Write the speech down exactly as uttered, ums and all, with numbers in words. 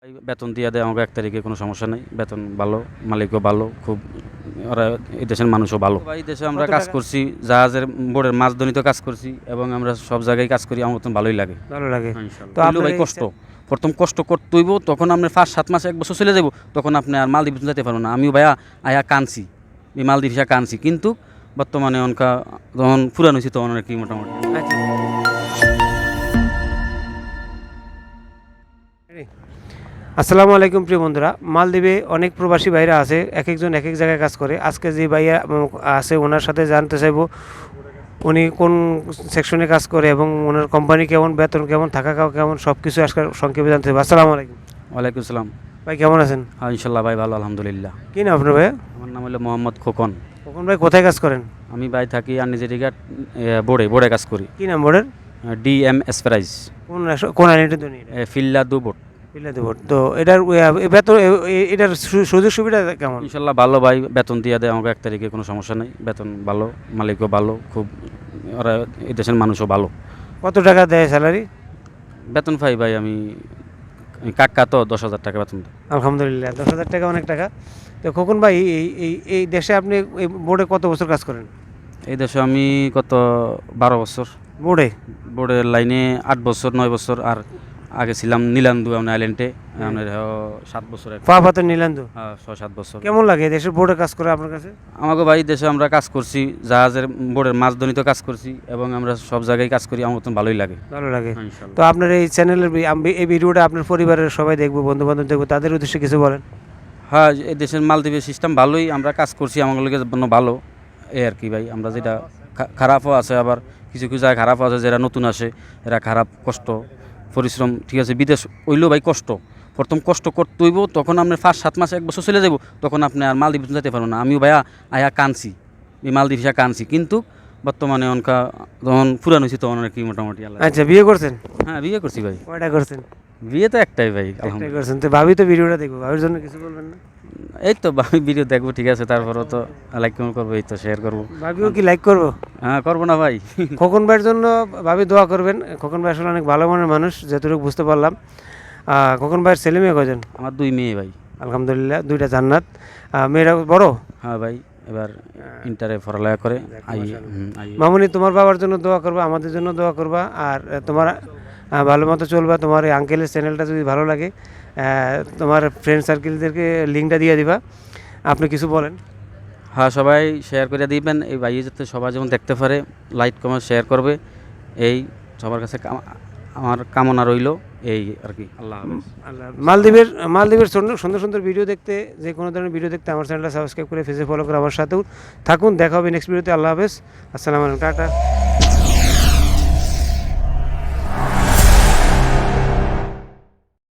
এই বেতন দিয়ে দেয় আমাকে এক তারিখে, কোনো সমস্যা নেই। বেতন ভালো, মালিকও ভালো, খুব ওরা এই দেশের মানুষও ভালো। ভাই দেশে আমরা কত কাজ টাকা? করছি, জাহাজের বোর্ডের মাছ ধরিতে কাজ করছি এবং আমরা সব জায়গায় কাজ করি, আমার মতন ভালোই লাগে। ভালো লাগে। হ্যাঁ, তো ইনশাআল্লাহ। হইলেও আপনার ভাই এই কষ্ট, প্রথম কষ্ট করতে হইব, তখন আপনি ফার্স্ট সাত মাস এক বছর চলে যাব, তখন আপনি আর মালদ্বীপ যেতে পারবেন না। আমিও ভাইয়া আয়া কানছি, এই মালদ্বীপ হিসা কানছি, কিন্তু বর্তমানে অনকা যখন ফুরান হয়েছি তখন আর কি মোটামুটি। আচ্ছা। আসসালামু আলাইকুম প্রিয় বন্ধুরা, মালদ্বীপে অনেক প্রবাসী ভাইরা আছে, এক একজন এক এক জায়গায় কাজ করে। আজকে যে ভাইয়া উম, আছে ওনার সাথে জানতে চাইবো উনি কোন সেকশনে কাজ করে এবং ওনার কোম্পানি কেমন, বেতন কেমন, থাকা খাওয়া কেমন, সব কিছু আজকে সংক্ষেপে জানতে চাইবো। আসসালামু আলাইকুম ওয়ালাইকুম সালাম। ভাই, কেমন আছেন? হ্যাঁ ইনশাল্লাহ ভাই, ভালো আলহামদুলিল্লাহ। কি নাম আপনার ভাইয়া? আমার নাম হলো মোহাম্মদ খোকন। কখন ভাই কোথায় কাজ করেন? আমি ভাই থাকি আর নিজের বোর্ডে বোর্ডে কাজ করি। কি নাম বোর্ডের? ডি এম এসপ্রাইজ, কোন রাষ্ট্র- কোন আইনটা তো নেই? ফিল্লা দু বোর্ড। বিলাতি বোর্ড। তো এটার এ, বেতন এ- এ- এটার সু- সুযোগ সুবিধা কেমন? ইনশাল্লাহ ভালো ভাই, বেতন দিয়ে দেয় আমাকে এক তারিখে, কোনো সমস্যা নেই। বেতন ভালো, মালিকও ভালো, খুব ওরা এই দেশের মানুষও ভালো। কত টাকা দেয় স্যালারি? বেতন পাই ভাই আমি, আমি কাকা তো দশ হাজার টাকা বেতন দেয়। আলহামদুলিল্লাহ, দশ হাজার টাকা অনেক টাকা। তো খোকন ভাই, এই এই এই দেশে আপনি এই বোর্ডে কত বছর কাজ করেন? এই দেশে আমি কত বারো বছর, বোর্ডে? বোর্ডের লাইনে আট বছর নয় বছর, আর আগে ছিলাম নীলান্দু আপনার আইল্যান্ডে, আপনার সাত বছর, এক- পা পাতের নিলান্দু। হ্যাঁ, ছয় সাত বছর। কেমন লাগে এই দেশের বোর্ডে কাজ করে আপনার কাছে? আমাকে ভাই দেশে আমরা কাজ করছি, জাহাজের বোর্ডের মাছ ধরিতে কাজ করছি এবং আমরা সব জায়গায় কাজ করি, আমার মতন ভালোই লাগে। ভালো লাগে। হ্যাঁ, ইনশাআল্লাহ। তো আপনার এই চ্যানেলের বি- আমি- এই ভিডিওটা আপনার পরিবারের সবাই দেখবো, বন্ধু বান্ধব দেখবো, তাদের উদ্দেশ্যে কিছু বলেন। হ্যাঁ, এই দেশের মালদ্বীপের সিস্টেম ভালোই, আমরা কাজ করছি, আমাদের জন্য ভালো এই আর কি ভাই। আমরা যেটা খা- খারাপও আছে, আবার কিছু কিছু জায়গায় খারাপও আছে, যারা নতুন আসে এরা খারাপ, কষ্ট পরিশ্রম, ঠিক আছে। বিদেশ হইলেও ভাই কষ্ট, প্রথম কষ্ট করতে হইব, তখন আপনি ফার্স্ট সাত মাস এক বছর চলে যাব, তখন আপনি আর মালদ্বীপ যেতে পারবেন না। আমিও ভাইয়া আয়া কানছি, এই মালদ্বীপ হিসা কানছি, কিন্তু বর্তমানে অনকা যখন ফুরান হয়েছি তখন আর কি মোটামুটি আল্লাহ। আচ্ছা, বিয়ে করছেন? হ্যাঁ, বিয়ে করছি ভাই। কয়টা করছেন? বিয়ে তো একটাই ভাই, একটাই আলহামদুলিল্লাহ। করছেন। তো ভাবি তো ভিডিওটা দেখবো, ভাবির জন্য কিছু বলবেন না? এই তো আমি ভিডিও দেখবো, ঠিক আছে, তারপরেও তো লাইক কমেন্ট করবো, এই তো শেয়ার করবো। ভাবিও কি লাইক করবো? হ্যাঁ, করবো না ভাই। খোকন ভাইয়ের জন্য ভাবি দোয়া করবেন। খোকন ভাই আসলে অনেক ভালো মনের মানুষ, যতটুকু বুঝতে পারলাম। আহ, খোকন ভাইয়ের ছেলে মেয়ে কজন? আমার দুই মেয়ে ভাই। আলহামদুলিল্লাহ, দুইটা জান্নাত। আহ, মেয়েরা বড়? হ্যাঁ ভাই, এবার ইন্টারে পড়ালেখা করে। আই হুম, আই মামুনি, তোমার বাবার জন্য দোয়া করবা, আমাদের জন্য দোয়া করবা, আর আহ, তোমার আহ, ভালো মতো চলবা। তোমার এই আঙ্কেলের চ্যানেলটা যদি ভালো লাগে, আহ, তোমার ফ্রেন্ড সার্কেলদেরকে লিঙ্কটা দিয়ে দিবা। আপনি কিছু বলেন। হ্যাঁ, সবাই শেয়ার করে দিবেন, এই ভাই যাতে সবাই যেমন দেখতে পারে, লাইক কমেন্ট শেয়ার করবে, এই সবার কাছে কাম- আমার কামনা রইল, এই আর কি। আল্লাহ হাফেজ। আল্লাহ। মালদ্বীপের মালদ্বীপের সুন্দর সুন্দর সুন্দর ভিডিও দেখতে, যে কোনো ধরনের ভিডিও দেখতে আমার চ্যানেলটা সাবস্ক্রাইব করে ফেসে ফলো করে আমার সাথেও থাকুন। দেখা হবে নেক্সট ভিডিওতে। আল্লাহ হাফেজ, আসসালামু আলাইকুম, টাটা।